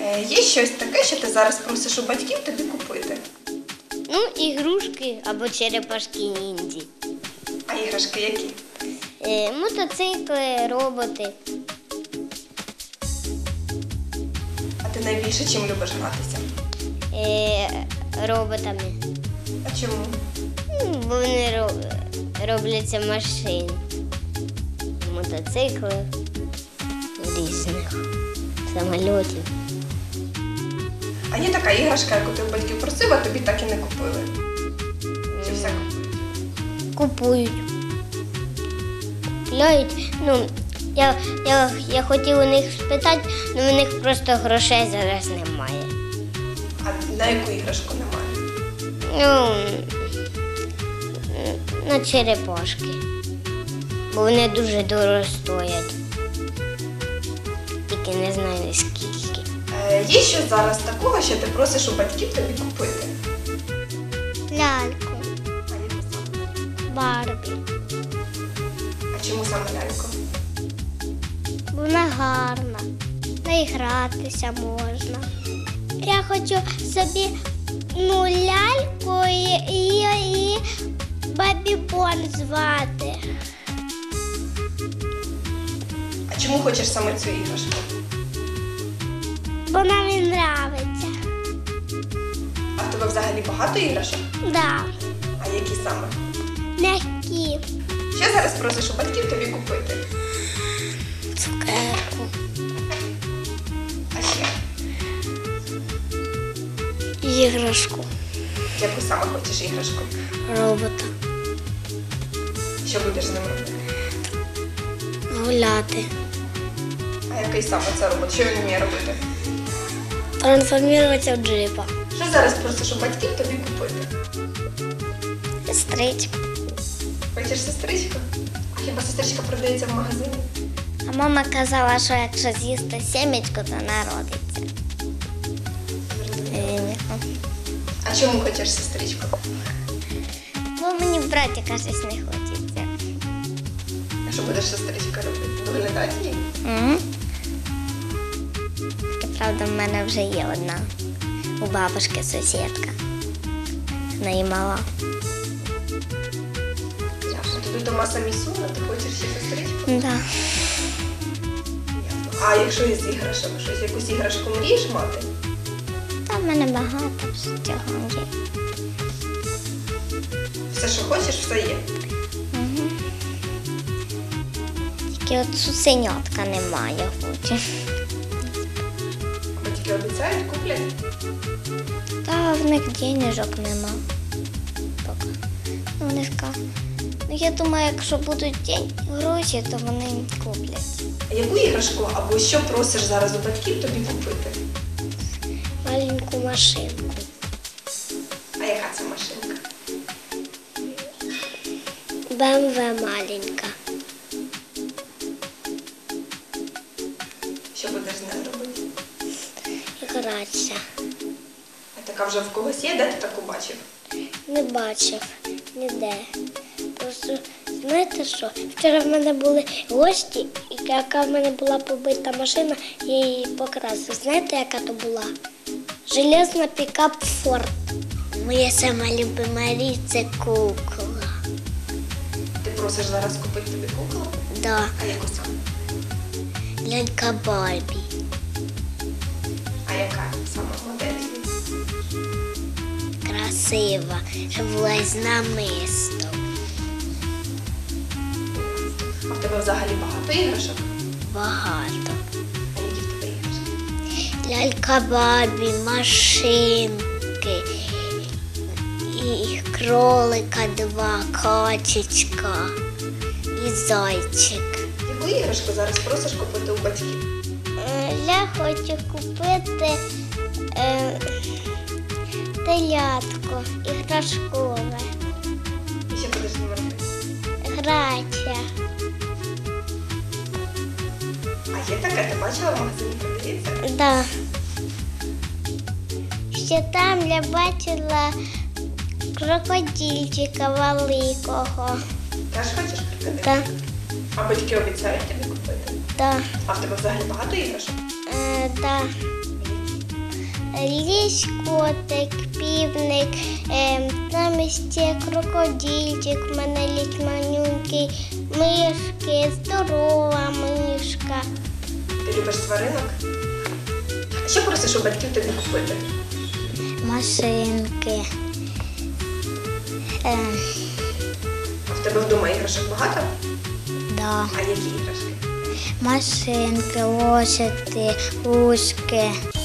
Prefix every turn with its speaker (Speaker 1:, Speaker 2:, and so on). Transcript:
Speaker 1: Є щось таке, що ти зараз просиш у батьків тобі купити?
Speaker 2: Ну, ігрушки або черепашки ніндзі.
Speaker 1: А іграшки які?
Speaker 2: Мотоцикли, роботи.
Speaker 1: А ти найбільше чим любиш гратися?
Speaker 2: Роботами.
Speaker 1: А чому?
Speaker 2: Бо вони робляться машин. Мотоцикли різних, самольотів.
Speaker 1: А є така іграшка, яку ти у батьків просив, а тобі так і не купили? Чи все купують?
Speaker 2: Купують. Купляють. Я хотів у них спитати, але у них просто грошей зараз немає.
Speaker 1: А на яку іграшку немає?
Speaker 2: На черепашки. Бо вони дуже дорого стоять. Тільки не знаю скільки.
Speaker 1: Є щось зараз такого, що ти просиш у батьків тобі купити?
Speaker 2: Ляльку,
Speaker 1: А яку саме?
Speaker 2: Барбі.
Speaker 1: А чому саме ляльку?
Speaker 2: Вона гарна. Наігратися можна. Я хочу собі ляльку і Бабі-Бон звати.
Speaker 1: А чому хочеш саме цю іграшку?
Speaker 2: Вона мені подобається.
Speaker 1: А в тебе взагалі багато іграшок?
Speaker 2: Да.
Speaker 1: А які саме?
Speaker 2: М'які.
Speaker 1: Що зараз просиш у батьків тобі купити?
Speaker 2: Цукерку.
Speaker 1: А ще?
Speaker 2: Іграшку.
Speaker 1: Яку саме хочеш іграшку?
Speaker 2: Робота.
Speaker 1: Що будеш з ним робити?
Speaker 2: Гуляти.
Speaker 1: А який саме це робот? Що він вміє робити?
Speaker 2: Трансформуватися в джипа.
Speaker 1: Що зараз просиш у батьків тобі купити?
Speaker 2: Сестричку.
Speaker 1: Хочеш сестричку? А хіба сестричка продається в магазині?
Speaker 2: А мама казала, що якщо з'їсти сімечку, то народиться.
Speaker 1: А чому хочеш сестричку?
Speaker 2: Бо мені братика щось не хочеться.
Speaker 1: А що будеш сестричка робити? Доглядати її?
Speaker 2: Правда, в мене вже є одна. У бабушки сусідка. В неї мала.
Speaker 1: Ясно. Тобі вдома самі сумно, ти хочеш ще сестричку?
Speaker 2: Да.
Speaker 1: Ясно. А якщо із іграшок, щось, якусь іграшку мрієш мати?
Speaker 2: Та в мене багато всього є.
Speaker 1: Все, що хочеш, все є.
Speaker 2: Тільки от цуценятка немає, хочу.
Speaker 1: Батьки обіцяють, куплять.
Speaker 2: Та в них денежок нема. Поки. Вони скажуть. Я думаю, якщо будуть гроші, то вони куплять.
Speaker 1: А яку іграшку або що просиш зараз у батьків тобі купити?
Speaker 2: Маленьку машинку.
Speaker 1: А яка це машинка?
Speaker 2: БМВ маленька.
Speaker 1: Що будеш з нею робити?
Speaker 2: Гратися.
Speaker 1: А така вже в когось є, де ти таку бачив?
Speaker 2: Не бачив ніде. Просто знаєте що? Вчора в мене були гості, і яка в мене була побита машина, я її покрасив. Знаєте, яка то була? Железна пікап Форд. Моя сама любима річ – це кукла.
Speaker 1: Ти просиш зараз купити тобі куклу?
Speaker 2: Да,
Speaker 1: А яку саме?
Speaker 2: лялька Барбі.
Speaker 1: А яка саме модель?
Speaker 2: Красива, щоб була з намистом.
Speaker 1: А в тебе взагалі багато іграшок?
Speaker 2: Багато.
Speaker 1: А які в тебе іграшки?
Speaker 2: Лялька Барбі, машинки, і кролика 2, качечка і зайчик.
Speaker 1: Яку іграшку зараз просиш купити у батьків?
Speaker 2: Я хочу купити телятко іграшкове.
Speaker 1: І що будеш з ним робити?
Speaker 2: Грація.
Speaker 1: А є таке, ти бачила в магазині продається?
Speaker 2: Да. Ще там я бачила крокодильчика великого.
Speaker 1: Теж хочеш крокодил?
Speaker 2: Да.
Speaker 1: А батьки обіцяють тобі купити?
Speaker 2: Да.
Speaker 1: А в тебе взагалі багато іграшок?
Speaker 2: Да. лісь котик, півник, там ще крокодильчик, в мене лісь манюнький, мишки, здорова мишка.
Speaker 1: Ти любиш тваринок? А що просиш у батьків тобі купити?
Speaker 2: Машинки.
Speaker 1: А в тебе вдома іграшок багато?
Speaker 2: Да.
Speaker 1: А які іграшки?
Speaker 2: Машинки, лошади, гуски.